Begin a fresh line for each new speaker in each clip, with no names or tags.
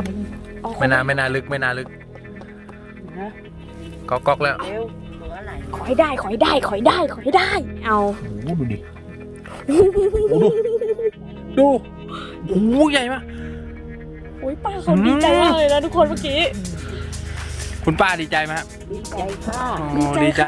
ไม่น่าลึกก๊อกแล้ว
ขอให้ได้เอา
โอ้ดูดิดูโอ้ใหญ่มาก
โอ้ยป้าเขาดีใจมากเลยนะทุกคนเมื่อกี้
คุณป้าดีใจไหมครับ
ดีใจค่ะ
ดีใจ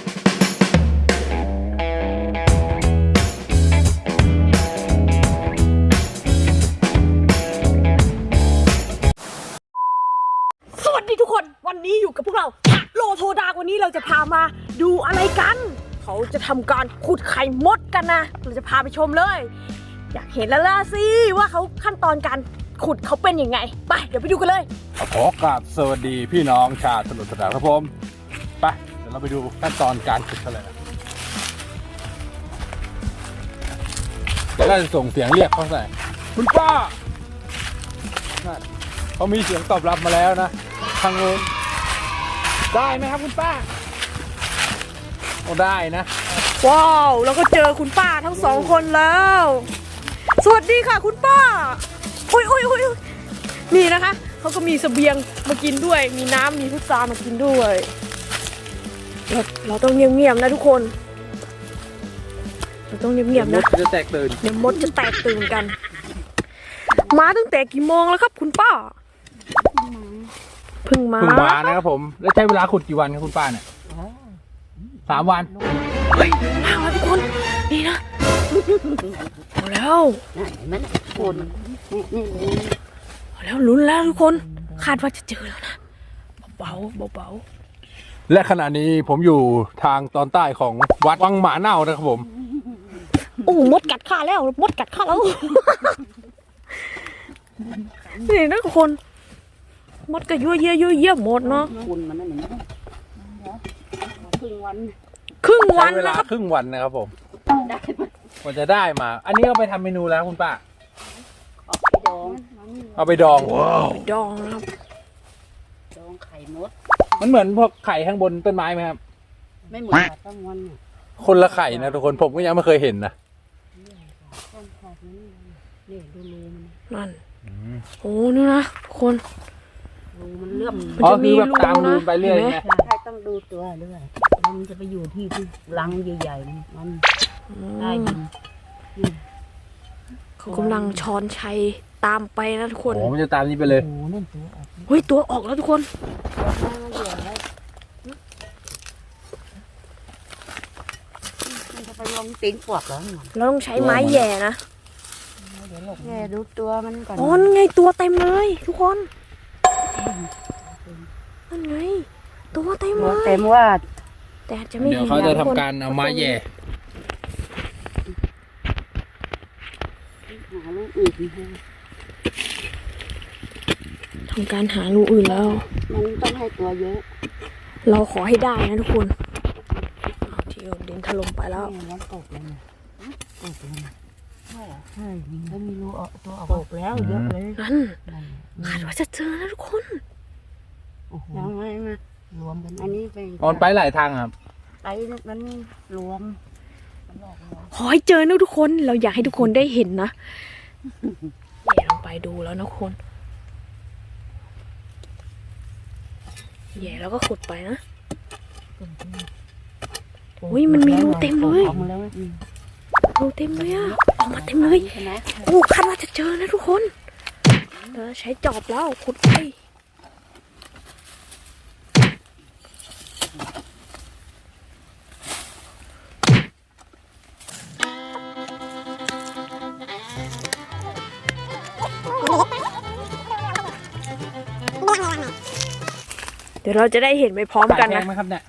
สวัสดีทุกคนวันนี้อยู่กับพวกเราโลโทดากวันนี้เราจะพามาดูอะไรกันเขาจะทำการขุดไข่มดกันนะเราจะพาไปชมเลยอยากเห็นแล้วล่ะสิว่าเขาขั้นตอนการขุดเขาเป็นยังไงไปเดี๋ยวไปดูกันเลย
ขอกราบสวัสดีพี่น้องชาวถนนสนามครับผมไปเดี๋ยวเราไปดูขั้นตอนการขุดกันเลยนะเดี๋ยวเราจะส่งเสียงเรียกเขาใส่คุณป้าเขามีเสียงตอบรับมาแล้วนะทางโน้นได้ไหมครับคุณป้าโอ้ได้นะ
ว้าวแล้วก็เจอคุณป้าทั้งสองคนแล้วสวัสดีค่ะคุณป้าอุ้ยนี่นะคะเขาก็มีเสบียงมากินด้วยมีน้ำมีพุทรามากินด้วยเราต้องเงียบๆนะทุกคนเราต้องเงียบๆนะ
จะแตกตื่น
เดี๋ยวมดจะแตกตื่นกันมาตั้งแต่กี่โมงแล้วครับคุณป้าเพิ่งมา
นะครับผมแล้วใช้เวลาขุดกี่วันครับคุณป้าเนี่ย3 วัน
เฮ้ยมาแล้วทุกคนนี่นะเอาแล้ว
มันคน
เอาแล้วลุ้นแล้วทุกคนคาดว่าจะเจอแล้วนะเบา
และขณะนี้ผมอยู่ทางตอนใต้ของวัดวังหมาเน่านะครับผม
โอ้มดกัดข้าแล้วนี่นะทุกคนมดก็ยั่วเยี่ยหมดเนาะ
คุณมันนั่นเองครึ่งวัน
เวลาครึ่งวันนะครับผมกว่าจะได้มา อันนี้เอาไปทำเมนูแล้วคุณป้าเอาไปดอง
ดองครับ
ดองไข่มด
มันเหมือนพวกไข่ข้างบนต้นไม้ไหมครับ
ไม่เหมือนต้นวัน
คนละไข่นะทุกคนผมก็ยังไม่เคยเห็นนะ
นี่ดูรูมัน
นั่นโอ้นี่นะทุกคน
รูมันเลื่อม
มันจะมีแบบตามรูไปเรื่อยไง
ใช่ต้องดูตัวด้วยมันจะไปอยู่ที่รังใหญ่ๆมันได้ยิน
เขากำลังช้อนชัยตามไปนะทุกคน
โอ้มันจะตามนี้ไปเลย
โอ้นั่นตัวออก
เฮ้ยตัวออกแล้วทุกคน
มันจะไปลงตีนปวกแล้ว
เราต้องใช้ไม้แย่นะ
แย่ดูตัวมันก่อน
อ๋อนั่นไงตัวเต็มเลยทุกคนนั่นไงตัวเต็มเลย
เต็มว่า
แต่จะไม่เห็น
เดี๋ยวเขาจะทำการเอาไม้แย่
ทำการหารูอื่นแล้ว
มันต้องให้ตัวเยอะ
เราขอให้ได้นะทุกคนที่ดินถล่มไปแล้ว
ตกเลยตกเลยใช่แล้วมีรูตัวออกแล้วเยอะเลย
นั่นคาดว่าจะเจอนะทุกคน
ยังไงมารวมกันอันนี้
ไปหลายทางครับ
ไปมันรวม
ขอให้เจอนะทุกคนเราอยากให้ทุกคนได้เห็นนะเดี๋ยวลงไปดูแล้วนะคนแย่แล้วก็ขุดไปนะอุ้ยมันมีรูเต็มเลยรูเต็มเลยอะออกมาเต็มเลยโอ้คาดว่าจะเจอนะทุกคนใช้จอบแล้วขุดไปเดี๋ยวเราจะได้เห็นไปพร้อมกันนะ
ไหมครับเนี่ย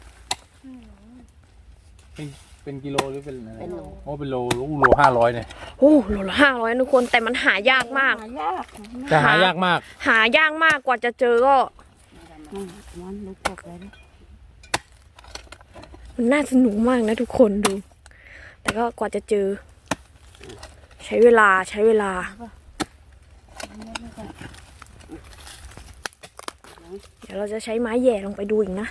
เป็นกิโลหรือเป็นอะไรโอ้เป็นโล500เนี่ย
โอ้โลละ500ทุกคนแต่มันหายากมาก
แต่หายากมาก
กว่าจะเจอก็มันน่าสนุกมากนะทุกคนดูแต่ก็กว่าจะเจอใช้เวลาเดี๋ยวเราจะใช้ไม้แย่ลงไปดูอีกนะ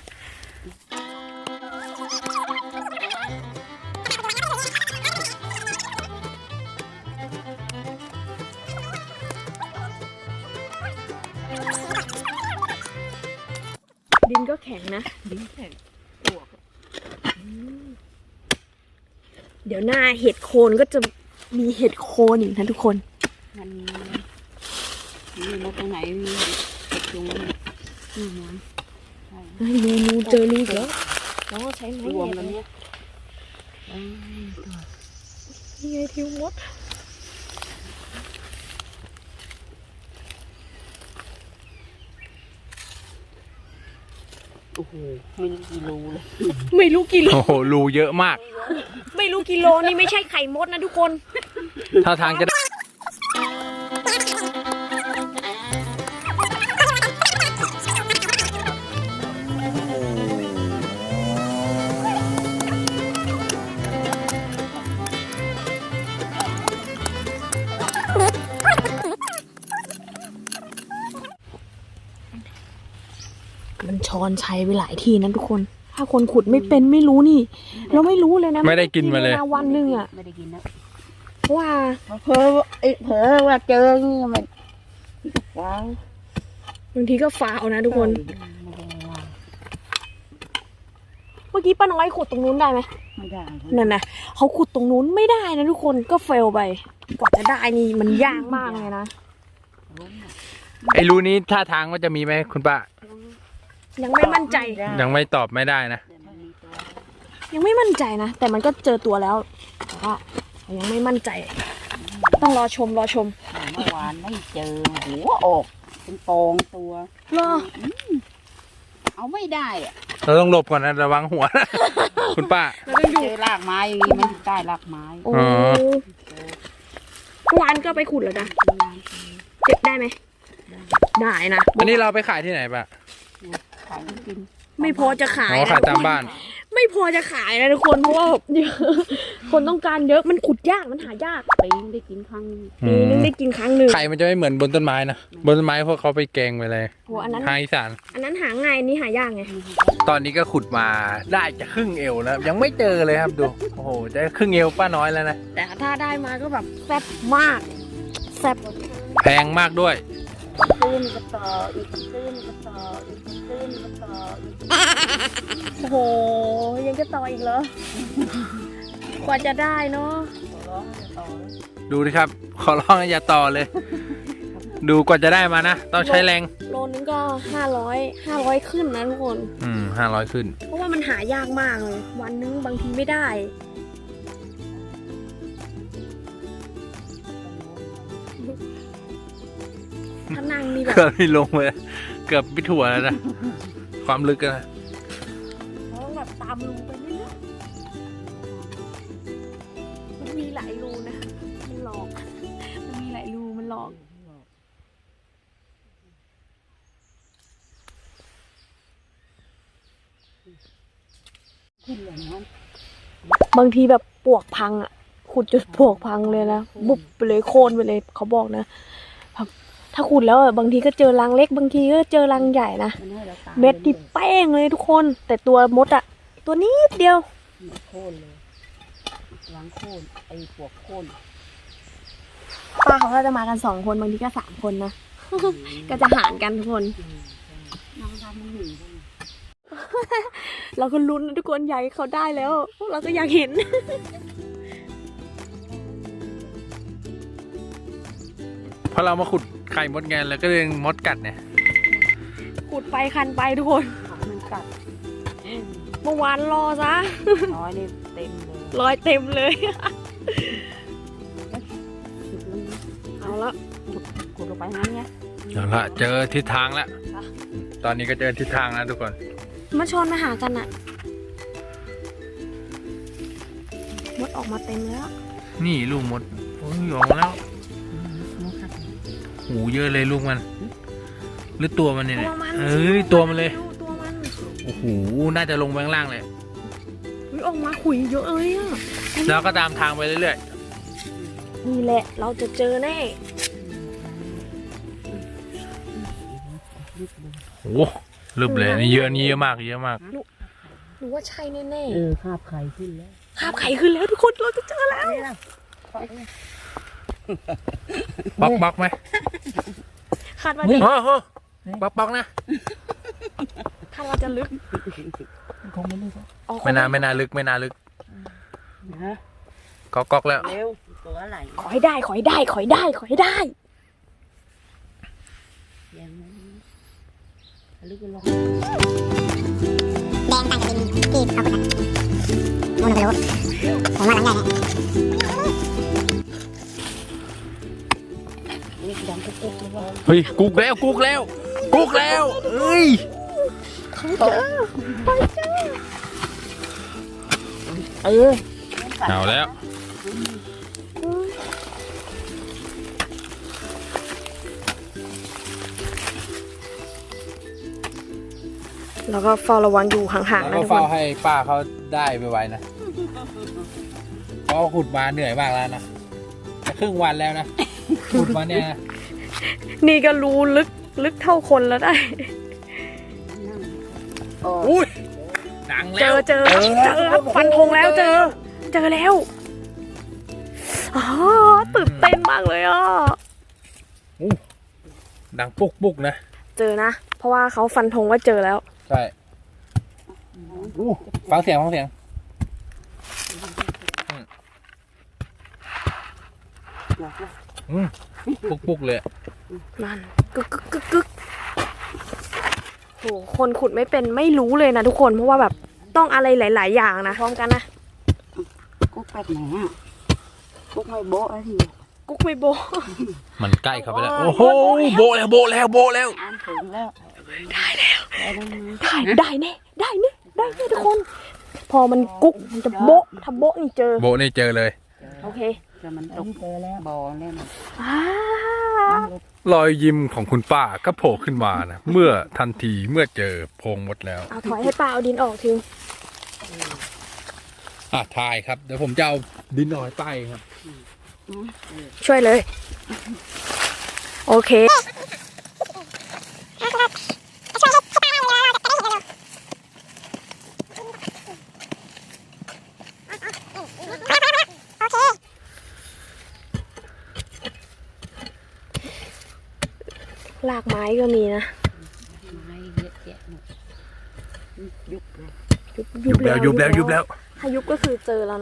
ดินก็แข็งนะ
ดิ้นแข็งปวก
เดี๋ยวหน้าเห็ดโคนก็จะมีเห็ดโคนอีกนะทุกคน
มันมีมาตรงไหนมีเห็ดจุงนี่นะใช่
เฮ้ยนูเจอรูอีกแล้วน้องใช้ไม้
รวม
เห็ด
กัน
เล
เนี่ย ยตัว
นี่ไงทิวมด
โอ้โหไม่รู้กี่รูเลย
ไม่รู้กิโล
โอ้โหรูเยอะมาก
ไม่รู้กิโลนี่ไม่ใช่ไข่มดนะทุกคน
ถ้าทางจะได้
มันช้อนใช้ไปหลายทีนะทุกคน ถ้าคนขุดไม่เป็นไม่รู้นี่ เราไม่รู้เลยนะ
ไม่ได้กินมาเลย
นะวันหนึ่งอ่ะ
ไม่ได้กินนะ
เพราะว่า
เผลอเผลอว่าเจอนี่มันว้าว
บางทีก็ฟาวนะทุกคน
ไม่ได้ว่า
เมื่อกี้ป้าน้อยขุดตรงนู้นได้ไหม
ไม่ได้
นั่นนะเขาขุดตรงนู้นไม่ได้นะทุกคนก็เฟลไป กว่าจะได้นี่มันยากมากเลยนะ
ไอ้รูนี้ท่าทางว่าจะมีไหมคุณป้า
ยังไม่มั่นใจ
ยังไม่ตอบไม่ได้นะ
ยังไม่มั่นใจนะ แต่มันก็เจอตัวแล้วแต่ว่ายังไม่มั่นใจ ต้องรอชม
เมื่อวานไม่เจอหัวออกเป็นฟองตัว
รอ
เอาไม่ได้อะ
เราต้องหลบก่อนนะระวังหัวนะ คุณป้า
แล้วก็อยู่
เจอรากไม้อย่างนี้มันใต้รากไม้
โอ้
อ๋อ
เมื่อวานก็ไปขุดแล้วนะเก็บได้ไหมได้นะ
อันนี้เราไปขายที่ไหนป้า
ขายกิน
ไม่พอจะขาย
อ๋อ
นะ
ขายตามบ้าน
ไม่พอจะขายนะทุกคนเพราะว่าเยอะคนต้องการเยอะมันขุดยากมันหายาก
ปีนได้กินครั้ง
ปีนึงได้กินครั้งหนึ่ง
ไข่มันจะไม่เหมือนบนต้นไม้นะ บนต้นไม้พวกเขาไปแกงไปเลย
โหอันนั้น
ทางอีสาน
อันนั้นหาง่ายอันนี่หายากไง
ตอนนี้ก็ขุดมาได้จะครึ่งเอวแล้ว ยังไม่เจอเลยครับดู โอ้โห จะครึ่งเอวป้าน้อยแล้วนะ
แต่ถ้าได้มาก็แบบแซ่บมากแซ่บ
แพงมากด้วย
ตื้นก็ต่ออีกตื้นก็ต่ออีกตื้นก็ต่ออีก
โอ้โหยังจะต่ออีกเหรอ กว่าจะได้เนาะ
ร้องจะต่อแล้ว
ดูดิครับ ขอร้องอย่าต่อเลย ดูกว่าจะได้มานะ ต้องใช้แรง
โลนึงก็500ขึ้นนะทุกคน
500 ขึ้น
เพราะว่ามันหายากมากเลย วันนึงบางทีไม่ได้ ถ้านั่งนี่แบบ
เกือบไม่ลงเลย เกือบไม่ถั่วแล้วนะ ความลึกอะนะ
เราต้องแบบตามรูไปเรื่อยๆมันมีหลายรูนะ มันหลอก มันมีหลายรูมันหลอก
ขึ้นเลยนะ
บางทีแบบปวกพังอ่ะ ขุดจนปวกพังเลยนะ บุบไปเลยโค่นไปเลยเขาบอกนะแบบถ้าขุดแล้วอะบางทีก็เจอรังเล็ก บางทีก็เจอรังใหญ่นะ
มันให้เราตาม
เม็ดที่แป้งเลยทุกคน แต่ตัวมดอ่ะ ตัวนิดเดียว
โค่นเลยล้างโค่นไอ้ปวกโค่น
ป้าเขาก็จะมากัน2 คนบางทีก็3 คนนะ ก็จะหารกันทุกคน
น้องทำมันหนีเลย
เราก็ลุ้นนะทุกคนอยากให้เขาได้แล้วพวกเราก็อยากเห็น
เพราะเรามาขุดไข่มดไงแล้วก็เลยมดกัดเนี่ย
ขุดไปคันไปทุกคน
มันกัด
เมื่อวานรอซะ
น้อยนี่เต็มเลย
รอยเต็มเลย
สุดเลย
เอาละ
ขุดลงไปงั้นไง
เอาละเจอทิศทางแล้ว ตอนนี้ก็เจอทิศทางแล้วทุกคน
มาชอนมาหากันอะมดออกมาเต็มแล้ว
นี่ลูกมดโอ้ยออกมาแล้ว
มันกัด
หูเยอะเลยลูกมัน หรือตัวมันเนี่ย
ตัวมัน
เอ้ยตัวมันเลย
ดูตัวมัน
โอ้โห น่าจะลงไปข้างล่างเลย
เฮ้ยออกมาขุยเยอะเลยอะ
แล้วก็ตามทางไปเรื่อย
นี่แหละเราจะเจอแน่
ๆ โอ้โหลึบเลยนี่เยอะนี่เยอะมากเยอะมาก
หนูว่าใช่แน่
คาบไข่ขึ้นแล้ว
ๆคาบไข่ขึ้นแล้วทุกคนเราจะเจอแล้ว
บล็อกไหม
คาดว่า
โอ้โหป๊อกๆนะ
ถ้าเราจะลึก
คงไม่ลึก
อ๋อ
ไม่น่าลึก
นะ
ก๊อกๆแล้ว
เร็วตัวอะไร
ขอให้ได้
ยังไม่ลึกลง
แดงต่างจากดินที่เอาขุดนู่นไปรู้ผมว่าหลังใหญ่เนี่ย
นี่ดังกุ๊กเลยว่า
เฮ้ยกุกแล้วเอ้ยเอาแล้ว
แล้วก็เฝ้าระวังอยู่ห่างๆ
แล้ว
นะ
ก็
ทุกค
เฝ้าน ให้ป้าเขาได้ไวๆนะเพราะขุดมาเหนื่อยมากแล้วนะจะครึ่งวันแล้วนะขุดมาเนี่ยนะ
นี่ก็รู้ลึกเท่าคนแล้วได้
อุ้ยดังแล้ว
เจอครับฟันธงแล้วเจอแล้วอ๋อตื่นเต้นมากเลยอ่ะ
ดังปุกนะ
เจอนะ เพราะว่าเขาฟันธงว่าเจอแล้ว
ใช่ฟังเสียงปุกเลย
นั่นกึกโหคนขุดไม่เป็นไม่รู้เลยนะทุกคนเพราะว่าแบบต้องอะไรหลาย ๆ อย่างนะพร้อมกันนะ
กุ๊กแปดไหนอ่ะกุ๊กไม่โบ๊ะอะไรที
กุ๊กไม่โบ
มันใกล้เข้าไปแล้วโอ้โหโบแล้ว
อ่านถึงแล้ว
ได้แน่ทุกคน พอมันกุ๊กมันจะโบะถ้าโบะนี่เจอ
โบนี่เจอเลย
โอเค
แต่มันตกเจอแล้วบ่อแล้วนะ
อ่าร
อยยิ้มของคุณป้าก็โผล่ขึ้นมานะเมื่อทันทีเมื่อเจอโพรงมดแล้ว
เอาถอยให้ป้าเอาดินออกที
ทายครับเดี๋ยวผมจะเอาดินหน่อยไปครับ
ช่วยเลย โอเคลากไม้ก็มีนะ
ไม้เยอะแยะหมดยุบเลย
ยุบแล้ว
ถ้ายุบก็คือเจอแล้วนะ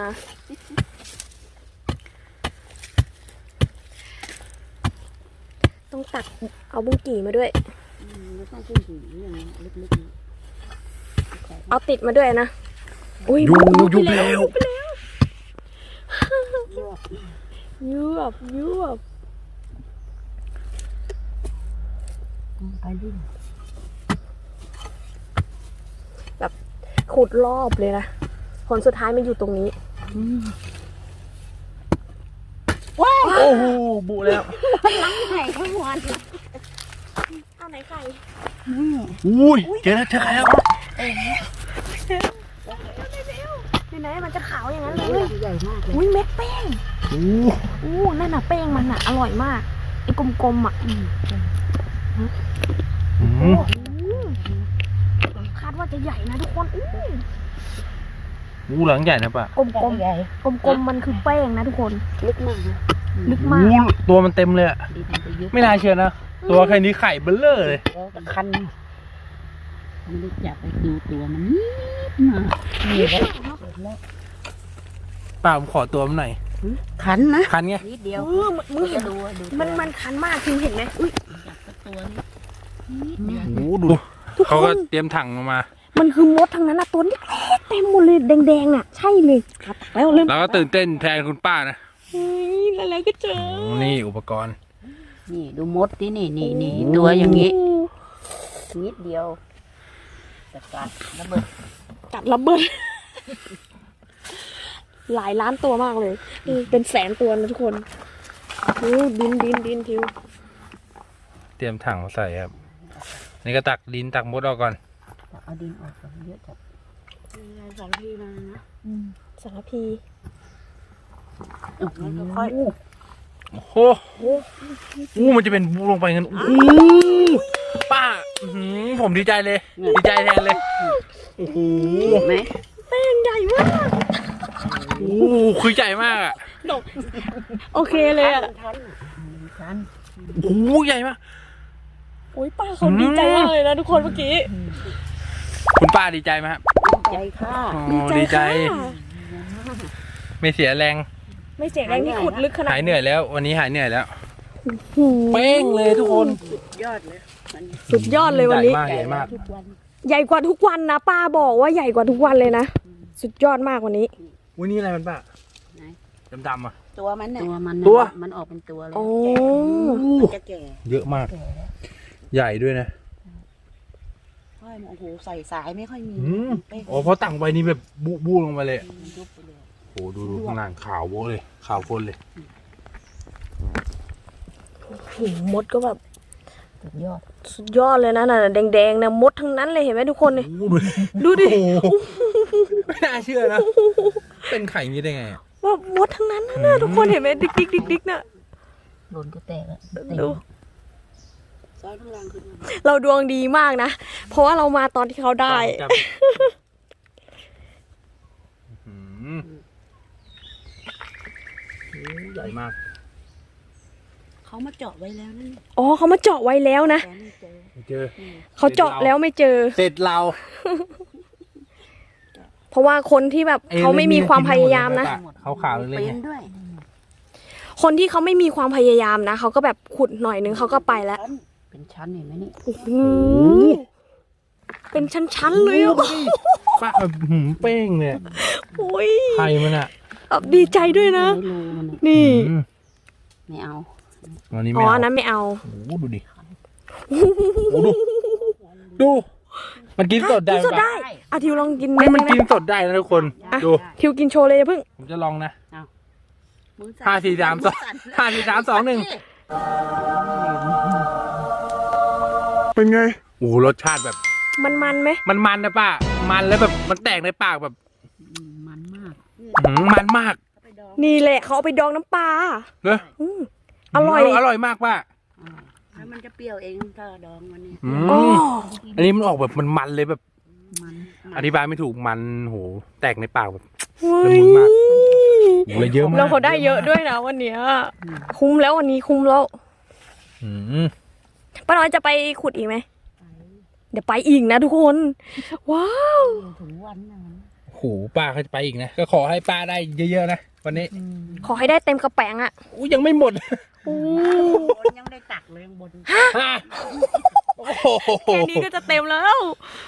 ต้องตักเอาบุ้งกี่มาด้วย
ไม่ต้องขึ้นถึงอย่างลึกๆนะ
เอาติดมาด้วยนะอุ้ย
ยุบแล้ว
ยวบ
ไปดิ
แบบขุดรอบเลยนะผลสุดท้ายมันอยู่ตรงนี้
โอ้โหบุแล้ว
ไข่ทั้งวัน
เอาไหนไข่
อุ้ยเจอใครแล้ว
ไหนมันจะขาวอย่างนั้นเลย
ใหญ่มากเลย
อุ้ยเม็ดแป้งนั่นน่ะแป้งมันน่ะอร่อยมากไอ้กลมๆอ่ะคาดว่าจะใหญ่นะทุกคน
หลังใหญ่นะป้าก
ลม
ใหญ่
ๆมันคือแป้งนะทุกคน
ลึกมากนะ
ลึกมาก
ตัวมันเต็มเลยอะ
ดินมันจะยุบ
ไม่น่าเชื่อนะตัวแค่นี้ไข่เบลเลอร์เลย
แล้วคันไม่รู้จักไปดูตัวมันนิดมานี่แล้ว
ป้าผมขอตัวมันหน่อย
คันนะ
คันไง
นิดเดียว
มึงเห็น
ดู
มันคันมากคือเห็นไหมอุ้ย
ตัวนี้นิดเดียว
โอ้ดูเขาก็เตรียมถังมา
มันคือมดทั้งนั้นนะตัวเล็กๆเต็มหมดเลยแดงๆอ่ะใช่เลยแล้วเริ่ม
แล้วก็ตื่นเต้นแทนคุณป้านะ
อะไรก็เจอ
นี่อุปกรณ์
นี่ดูมดที่นี่ตัวอย่างนี้นิดเดียวแต่กัดระเบิด
กัดระเบิด หลายล้านตัวมากเลยเป็นแสนตัวนะทุกคนดินทิว
เตรียมถังใส่ครับนี่ก็ตักดินตักมดออกก่อน
เอาดินออกก่อนเยอะจัดสองทีมานะ
สารพี
ค่อย
โอ้โหมันจะเป็นบูลงไปเงินโอ้โหป้าผมดีใจเลยดีใจแทนเลยโอ้โห
ไหม
แป้งใหญ่มาก
โอ้โหคือใหญ่มากอ่ะ
โอเคเลยอ่ะ
ทัน
โอ้โหใหญ่มาก
โอ้ยป้าเขาดีใจมากเลยนะทุกคนเมื่อกี้
คุณป้าดีใจไหมครับ
ใจค่ะ
อ๋อดีใจ
ค่ะ
ไม่เสียแรง
ไม่เสียแรงที่ขุดลึกขนาด
หายเหนื่อยแล้ว วันนี้หายเหนื่อยแล้ว
หู
เป้งเลยทุกคน
ยอดเลยมัน
สุดยอดเลยวันนี้
ใหญ่มากใหญ่มาก
ทุกวัน
ใหญ่กว่าทุกวันนะป้าบอกว่าใหญ่กว่าทุกวันเลยนะสุดยอดมากวันนี้
วันนี้อะไรมันป้า
ไหน
ดำๆอ่ะ
ตัวมันน่ะตัวมัน
ตัว
มันออกเป็นตัวเลย
โอ้
มันจะแก่
เยอะมาก ใหญ่ด้วยนะ
ค่อยโอ้โหใส่สายไม่ค่อยมี เป๊ะ
อ๋อเพราะตั้งไว้นี่แบบบูลงมาเลย
มันยุบไปเลย
โอ้ดูข้างล่างขาวโว้เลยขาวคนเลย
โหมดก็แบบ
สุดยอด
สุดยอดเลยนะน่ะแดงๆนะมดทั้งนั้นเลยเห็นไหมทุกคนเนี่ย
โอ้ดูดิ
ดูดิ
โอ้โหไม่น่าเชื่อนะ เป็นไข่อย่างนี้ได้ไงอะ
ว่ามดทั้งนั้นนะทุกคนเห็นไหมดิ๊กดิ๊กดิ๊กดิ๊กน่ะ
โดนก็แตกแล้ว
ดู
ซ้อนข้างล่างขึ้นมา
เราดวงดีมากนะเพราะว่าเรามาตอนที่เขาได้
จับอื้อหือโอ้ใหญ่มาก
เขามาเจาะไว้แล้วนั่น
อ๋อเขามาเจาะไว้แล้วนะ
แต่ไม่เจอ
ไม่เจอ
เขาเจาะแล้วไม่เจอ
เสร็จเรา
เพราะว่าคนที่แบบเขาไม่มีความพยายามนะ
เขาขาวๆเลย
เป็
ไง
นด้วย
คนที่เขาไม่มีความพยายามนะเขาก็แบบขุดหน่อยนึงเขาก็ไปแล้ว
เป็นชั้นเห็นไหมนี่
โอ้โหเป็นชั้นๆเลยอ่ะ
ป้าแบบหืมเป้งเนี่ย
โอ้ย
ไข่มันอ่ะ
แบบดีใจด้วยนะ
ไม่รู้มันน่ะ
นี่
อืม
ไม่เอา
วันนี้
อ๋
ไม่
อ
เอา
อันนั้นไม่เอา
โอ้โหดูดิโอ้โหดู มันกินสดได้
กินสด
ปะ
ได้อาทิวลองกิน
ไม่มัน
ได้
กิน
ไห
สดได้นะทุกคน ดู
ทิวกินโชว์เลยอย่าเพิ่ง
ผมจะลองนะ
มือสั่น
ห้าสี่สามสองห้าสี่สามสองหนึ่ง
เป็นไง
โอ้โหรสชาติแบบ
มันไหม
มันนะป้า มันแล้วแบบมันแตกในปากแบบ
มันมาก
มันมาก
นี่แหละเขาเอาไปดองน้ำปลา
เนอะ
อืมอร่อย
อร่อยมากป้า
แล้วมันจะเปรี้ยวเองถ้าดองมันนี่
อื
อ๋อ
มอันนี้มันออกแบบมันเลยแบบ
มัน
อธิบายไม่ถูกมันโหแตกในปากแบบ
เฮ้
ละ
ย
มุนมาก โอ้โหเลยเยอะมาก
แล้วเขาได้เยอะด้วยนะวันเนี้ยคุ้มแล้ววันนี้คุ้มแล้ว
อืม
ป้าน้อยจะไปขุดอีกไหมเดี๋ยวไปอีกนะทุกคน ว้าว
ถึงวันนะมัน
โอ้โหป้าเขาจะไปอีกนะ ก็ขอให้ป้าได้เยอะๆนะวันนี้
ขอให้ได้เต็มกระแปงอ่ะ
อู้ยังไม่หมด
โอ้
บนยังได้ตักเลยยังบน
โอ้โห
แค่นี้ก็จะเต็มแล้ว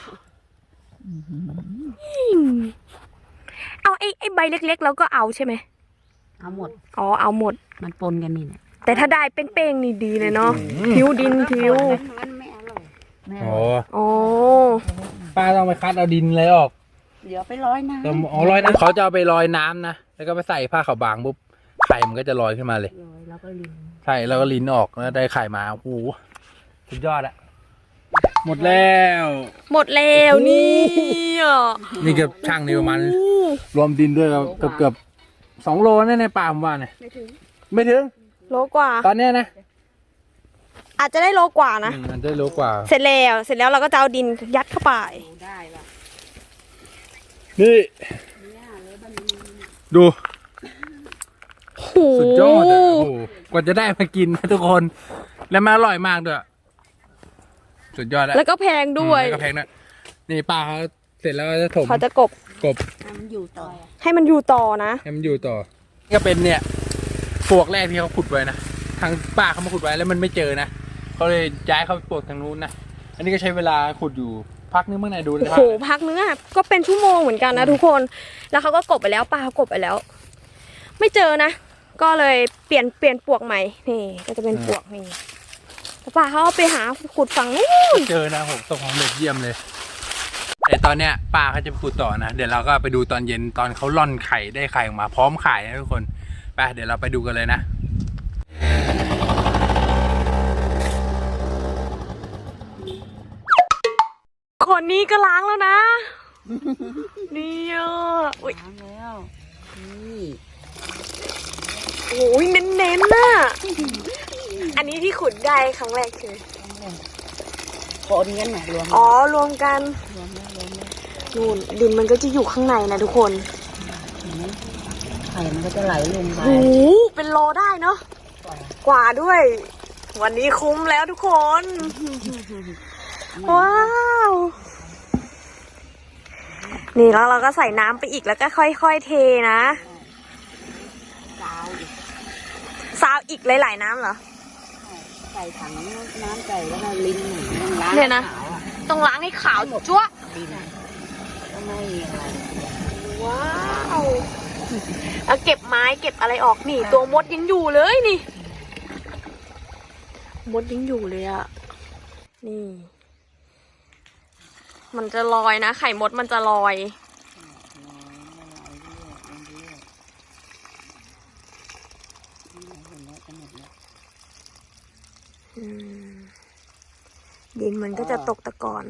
เอาไอ้ใบเล็กๆเราก็เอาใช่ไหม
เอาหมด
อ๋อเอาหมด
มันปนกันนี่แหละ
แต่ถ้าได้เป้งๆนี่ดีเลยเนาะทิวดินทิว
มันไม่อร่อยไม่อ
โอ้
ร่อย
อ๋อ
ป้าต้องไปคัดเอาดินอะไรออก
เดี๋ยวไปร้อยน้ำ
แต่อ๋อลอยน้ำเขาจะเอาไปลอยน้ำนะ แล้วก็ไปใส่ผ้าขาวบางปุ๊บ ไข่มันก็จะลอยขึ้นมาเลย
ร้อยแล้วก็ลิน
ใช่แล้วก็ลิ้นออกแล้วได้ไข่มาโอ้โหสุดยอดอะหมดแล้ว
หมดแล้วนี่อ่ะ
นี่เกือบช่างนี่ประมาณรวมดินด้วยเกือบ2 โลแน่ในป่าผมว่าเนี่ยไม่ถึง
โลกว่า
ตอนเนี้ยนะ
อาจจะได้โลกว่านะ
มันได้โลกว่า
เสร็จแล้วเราก็จะเอาดินยัดเข้าไป
ได้ละ
นี่ดู
โอ้โห
สุดยอดอะโอ้โหกว่าจะได้มากินนะทุกคน แล้วมันอร่อยมากด้วยสุดยอดแล้ว
แล้วก็แพงด้วย
แล้วก็แพงนะนี่ป้าเขาเสร็จแล้วก็จะถม
เขาจะกบ
กบ
มันอยู่ต่อ
ให้มันอยู่ต่อนะ
ให้มันอยู่ต่อนี่ก็เป็นเนี่ยปลวกแรกที่เขาขุดไว้นะทางป้าเขามาขุดไว้แล้วมันไม่เจอนะเขาเลยย้ายเขาไปปลวกทางนู้นนะอันนี้ก็ใช้เวลาขุดอยู่พักนึงเมื่อไหร่ดู
โอ้
นะครั
โห
บ
พักนึงอ่ะก็เป็นชั่วโมงเหมือนกันนะทุกคน แล้วเขาก็กบไปแล้วป้าเขากบไปแล้ว ไม่เจอนะ ก็เลยเปลี่ยนปลวกใหม่ นี่ก็จะเป็นปลวกนี่แล้วป้าเขาเอาไปหาขุดฝั่งนู้น
เจอนะผมตกของเด็กเยี่ยมเลยแต่ตอนเนี้ยป้าเขาจะไปขุดต่อนะเดี๋ยวเราก็ไปดูตอนเย็นตอนเขาล่อนไข่ได้ไข่ออกมาพร้อมขายนะทุกคนไปเดี๋ยวเราไปดูกันเลยนะ
คนนี้ก็ล้างแล้วนะ นี่อ่ะอุ้ย
ล้างแล้วนี่
โอ้ยเน้นๆน่ะ อันนี้ที่ขุดได้ครั้งแรกคือ
คนกันหน่อยรวม
อ๋อรวมกัน
รวมแล้ว
นู่นดินมันก็จะอยู่ข้างในนะทุกคน
เห็นไหมไข่มันก็จะไหลลงไป
โอ้โหเป็นโลได้เนาะ กว่าด้วยวันนี้คุ้มแล้วทุกคน ว้าว นี่แล้วเราก็ใส่น้ำไปอีกแล้วก็ค่อยๆเทนะ
กาวอีก
ซาวอีกหลายๆน้ำเหรอ
ใส่ถังน้ำใส่แล้วก็ลิ้นหนึ่งล้าง
เนี่ยนะ
ขาวอ่ะ
ต้องล้างให้ขาวจั๊วะ
ดินก็ไม่อะไร
ว้าวเอาเก็บไม้เก็บอะไรออกนี่ ตัวมดยังอยู่เลยนี่ มดยังอยู่เลยอะนี่ มันจะลอยนะ ไข่มดมันจะลอย ดินมันก็จะตกตะกอน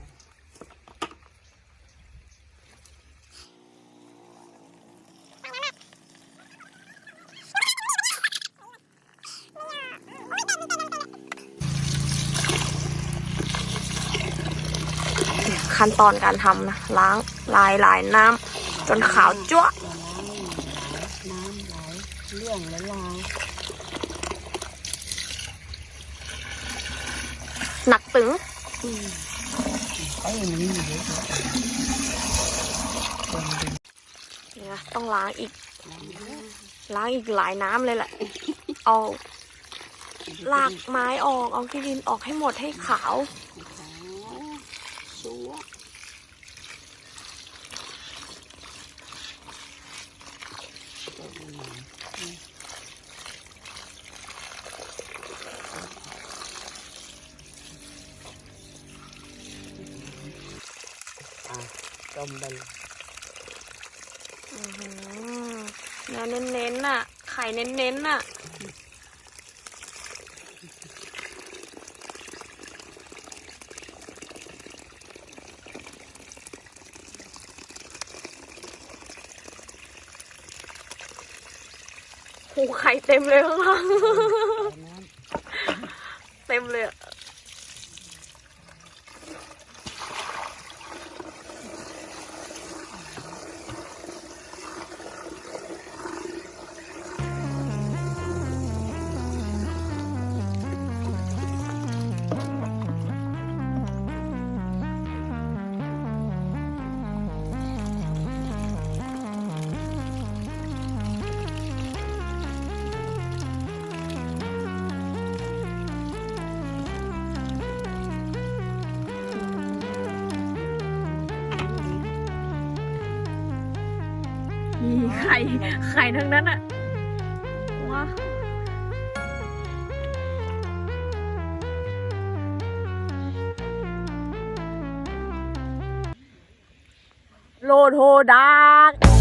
ขั้นตอนการทำนะ ล้างลายน้ำจนขาวจั๊วะ
น้ำไหลเรื่องแล้วลาว
หนักตึง
ไอ้มันอยู่เยอะ
เนี่ยต้องล้างอีก ล้างอีกหลายน้ำเลยแหละ เอาลากไม้ออก เอาขี้ดินออกให้หมดให้ขาว
ชัวต้มไป
เนื้อเน้นๆน่ะ ไข่เน้นๆน่ะ โอ้ไข่เต็มเลยข้างล่าง เต็มเลยอะนี่ไข่ทั้งนั้นอะว้าโลโทดาก